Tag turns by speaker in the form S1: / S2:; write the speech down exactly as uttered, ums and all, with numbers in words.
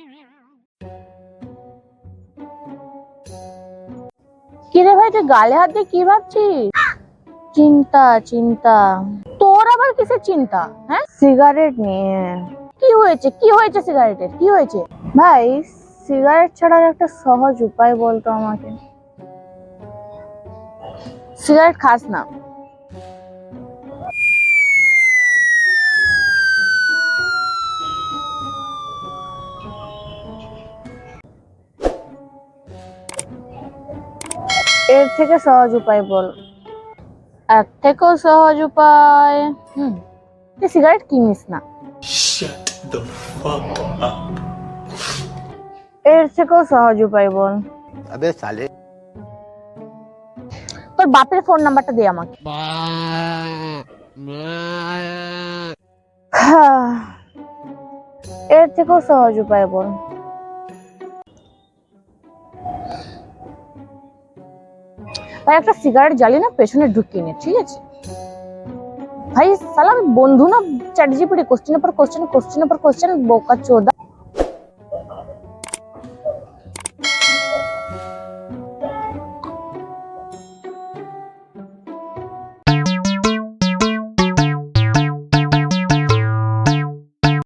S1: কিরে ভাই, তুই গালে হাত দিয়ে কি ভাবছিস? চিন্তা চিন্তা? তোর আবার কিসের চিন্তা? হ্যাঁ, সিগারেট নিয়ে। কি হয়েছে? কি হয়েছে সিগারেটের? কি হয়েছে ভাই? সিগারেট ছাড়ার একটা সহজ উপায় বলতো আমাকে। সিগারেট খাস না? এর থেকে সহজ উপায় বল। এর থেকেও সহজ উপায়? হুম, তুই সিগারেট কিনিস না।
S2: Shut the fuck up.
S1: এর থেকেও সহজ উপায় বল।
S3: अबे साले
S1: তোর বাপের ফোন নাম্বারটা দে আমাকে। হ্যাঁ, এর থেকেও সহজ উপায় বল। ভাই, একটা সিগারেট জ্বালিয়ে না পেছনে ঢুকিয়ে নে, ঠিক আছে? ভাই সালাম, বন্ধু না চ্যাট জিপিটি কোশ্চেনের পর কোশ্চেন কোশ্চেনের পর কোশ্চেন বোকা চোদা।